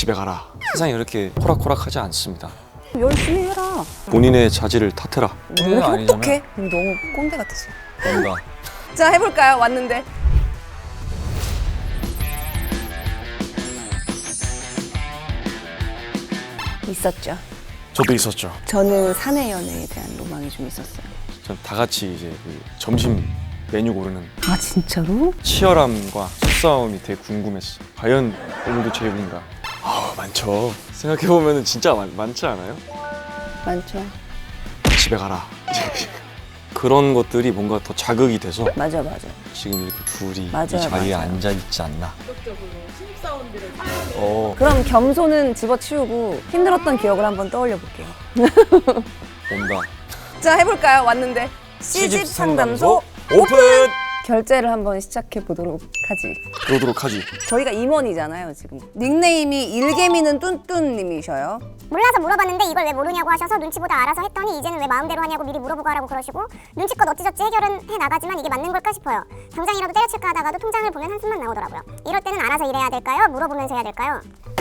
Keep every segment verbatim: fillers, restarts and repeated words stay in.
집에 가라. 세상이 이렇게 호락호락하지 않습니다. 열심히 해라. 본인의 자질을 탓해라. 왜 이렇게 똑똑해? 너무 꼰대 같았어. 뭔가 자, 해볼까요? 왔는데. 있었죠. 저도 있었죠. 저는 사내 연애에 대한 로망이 좀 있었어요. 전 다 같이 이제 그 점심 메뉴 고르는 아, 진짜로? 치열함과 속싸움이 되게 궁금했어. 과연 오늘도 제 입인가? 아 많죠. 생각해 보면은 진짜 많, 많지 않아요? 많죠. 집에 가라. 그런 것들이 뭔가 더 자극이 돼서 맞아, 맞아. 지금 이렇게 둘이 맞아요, 이 자리에 맞아요. 앉아 있지 않나. 적극적으로 신입사원들을 어 그럼 겸손은 집어치우고 힘들었던 기억을 한번 떠올려 볼게요. 온다. 자, 해볼까요? 왔는데. 시집 상담소 오픈. 결제를 한번 시작해 보도록 하지. 그러도록 하지. 저희가 임원이잖아요, 지금. 닉네임이 일개미는 뚠뚠님이셔요. 몰라서 물어봤는데 이걸 왜 모르냐고 하셔서 눈치보다 알아서 했더니 이제는 왜 마음대로 하냐고 미리 물어보고 하라고 그러시고 눈치껏 어찌저찌 해결은 해나가지만 이게 맞는 걸까 싶어요. 당장이라도 때려칠까 하다가도 통장을 보면 한숨만 나오더라고요. 이럴 때는 알아서 일해야 될까요? 물어보면서 해야 될까요?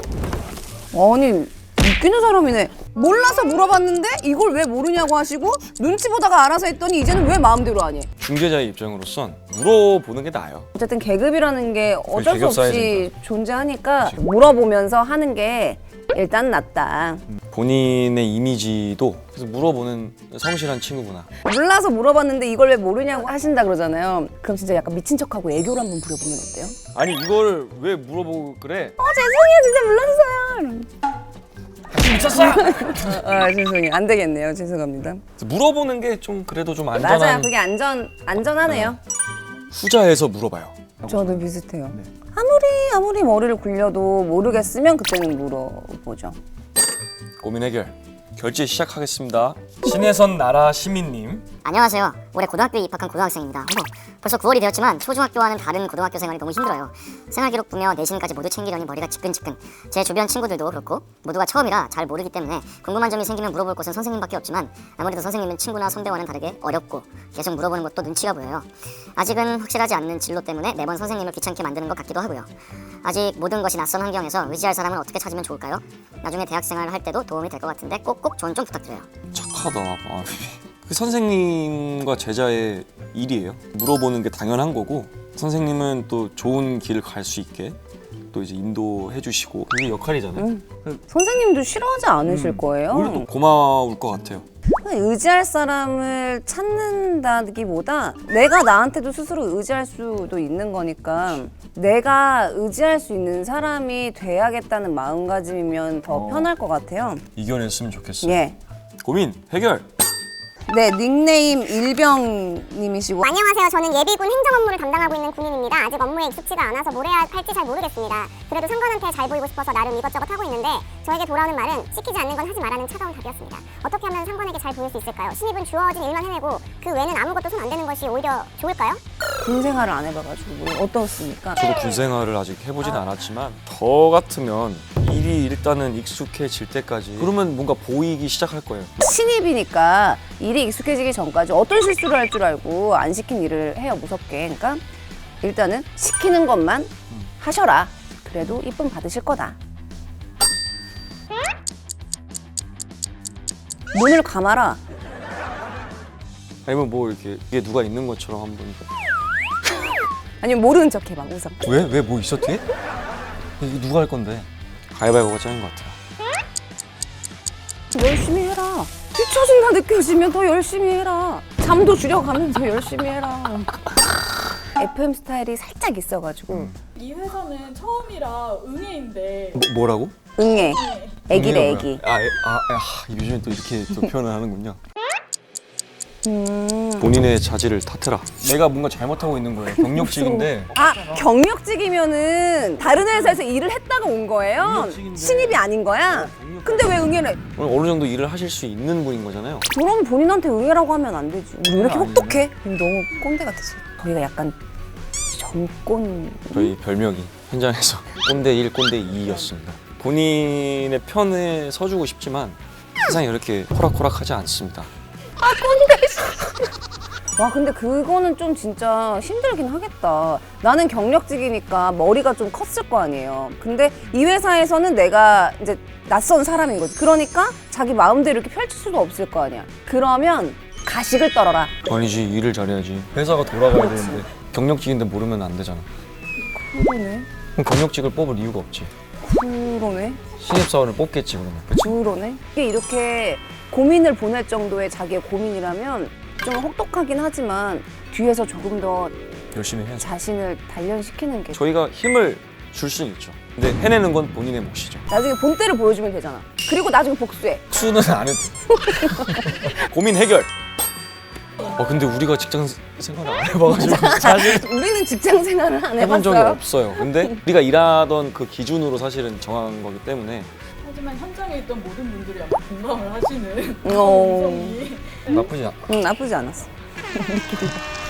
아니, 웃기는 사람이네. 몰라서 물어봤는데 이걸 왜 모르냐고 하시고 눈치 보다가 알아서 했더니 이제는 왜 마음대로 하니? 중개자의 입장으로선 물어보는 게 나아요. 어쨌든 계급이라는 게 어쩔 수 계급 없이 사회니까. 존재하니까 물어보면서 하는 게 일단 낫다. 본인의 이미지도 그래서 물어보는 성실한 친구구나. 몰라서 물어봤는데 이걸 왜 모르냐고 하신다 그러잖아요. 그럼 진짜 약간 미친 척하고 애교를 한번 부려보면 어때요? 아니 이거를 왜 물어보고 그래? 어, 죄송해요, 진짜 몰랐어요. 미쳤어! 아, 죄송해요. 안 되겠네요. 죄송합니다. 물어보는 게 좀 그래도 좀 안전한. 맞아요. 그게 안전, 안전하네요. 후자에서 물어봐요. 저도 비슷해요. 아무리 아무리 머리를 굴려도 모르겠으면 그때는 물어보죠. 고민 해결. 결제 시작하겠습니다. 신혜선 나라 시민님. 안녕하세요. 올해 고등학교에 입학한 고등학생입니다. 어머, 벌써 구월이 되었지만 초중학교와는 다른 고등학교 생활이 너무 힘들어요. 생활기록 보며 내신까지 모두 챙기려니 머리가 지끈지끈. 제 주변 친구들도 그렇고 모두가 처음이라 잘 모르기 때문에 궁금한 점이 생기면 물어볼 곳은 선생님밖에 없지만 아무래도 선생님은 친구나 선배와는 다르게 어렵고 계속 물어보는 것도 눈치가 보여요. 아직은 확실하지 않는 진로 때문에 매번 선생님을 귀찮게 만드는 것 같기도 하고요. 아직 모든 것이 낯선 환경에서 의지할 사람을 어떻게 찾으면 좋을까요? 나중에 대학생활을 할 때도 도움이 될 것 같은데 꼭꼭 조언 좀 부탁드려요. 착하다. 아, 그 선생님과 제자의 일이에요. 물어보는 게 당연한 거고 선생님은 또 좋은 길을 갈 수 있게 또 이제 인도해 주시고 그게 역할이잖아요. 음. 선생님도 싫어하지 않으실 음. 거예요. 오히려 또 고마울 것 같아요. 의지할 사람을 찾는다기보다 내가 나한테도 스스로 의지할 수도 있는 거니까 내가 의지할 수 있는 사람이 돼야겠다는 마음가짐이면 더 어. 편할 것 같아요. 이겨냈으면 좋겠어요. 예. 고민 해결. 네, 닉네임 일병님이시고. 안녕하세요. 저는 예비군 행정 업무를 담당하고 있는 군인입니다. 아직 업무에 익숙지가 않아서 뭘 해야 할지 잘 모르겠습니다. 그래도 상관한테 잘 보이고 싶어서 나름 이것저것 하고 있는데 저에게 돌아오는 말은 시키지 않는 건 하지 말라는 차가운 답이었습니다. 어떻게 하면 상관에게 잘 보일 수 있을까요? 신입은 주어진 일만 해내고 그 외에는 아무것도 손 안 대는 것이 오히려 좋을까요? 군 생활을 안 해봐가지고 뭐 어떻습니까? 저도 군 생활을 아직 해보진 않았지만 저 같으면 일이 일단은 익숙해질 때까지 그러면 뭔가 보이기 시작할 거예요. 신입이니까 일이 익숙해지기 전까지 어떤 실수를 할 줄 알고 안 시킨 일을 해요, 무섭게. 그러니까 일단은 시키는 것만 하셔라. 그래도 이쁨 받으실 거다. 눈을 감아라. 아니면 뭐 이렇게 뒤에 누가 있는 것처럼 한번. 아니면 모르는 척 해봐, 웃어. 왜? 왜 뭐 있어 뒤에? 이거 누가 할 건데? 가위바위보가 짱인 것 같아요. 열심히 해라. 뒤처진다 느껴지면 더 열심히 해라. 잠도 줄여가면서 열심히 해라. 에프엠 스타일이 살짝 있어가지고 이 회사는 처음이라 응애인데 뭐, 뭐라고? 응애. 애기래, 의미가 애기. 뭐야? 아, 애, 아, 아, 요즘에 또 이렇게 또 표현을 하는군요. 음. 본인의 자질을 탓해라. 내가 뭔가 잘못하고 있는 거예요. 경력직인데. 아, 경력직이면은 다른 회사에서 일을 했다가 온 거예요? 경력직인데. 신입이 아닌 거야? 근데 왜 응애를 해? 어느 정도 일을 하실 수 있는 분인 거잖아요. 그럼 본인한테 응애라고 하면 안 되지. 우리 왜 이렇게 아니네. 혹독해? 너무 꼰대 같았어. 저희가 약간 정꼰. 저희 별명이 현장에서 꼰대 일, 꼰대 이였습니다. 본인의 편에 서주고 싶지만 세상이 그렇게 호락호락하지 않습니다. 아, 꼰대. 와 근데 그거는 좀 진짜 힘들긴 하겠다. 나는 경력직이니까 머리가 좀 컸을 거 아니에요. 근데 이 회사에서는 내가 이제 낯선 사람인 거지. 그러니까 자기 마음대로 이렇게 펼칠 수도 없을 거 아니야. 그러면 가식을 떨어라. 아니지, 일을 잘해야지. 회사가 돌아가야 되는데 경력직인데 모르면 안 되잖아. 그러네. 그럼 경력직을 뽑을 이유가 없지. 그러네. 신입사원을 뽑겠지 그러면. 그치? 그러네. 이게 이렇게 고민을 보낼 정도의 자기의 고민이라면 좀 혹독하긴 하지만 뒤에서 조금 더 열심히 해야죠. 자신을 단련시키는 게 저희가 힘을 줄 수는 있죠. 근데 해내는 건 본인의 몫이죠. 나중에 본때를 보여주면 되잖아. 그리고 나중에 복수해. 수는 안 해도 고민 해결. 어 근데 우리가 직장 생활을 안 해봐가지고 사실 우리는 직장 생활을 안 해본 적이 해봤어요. 없어요. 근데 우리가 일하던 그 기준으로 사실은 정한 거기 때문에 하지만 현장에 있던 모든 분들이 아마 공감을 하시는 어. 음성이 나쁘지 않아. 응, 나쁘지 않았어. 우리끼리.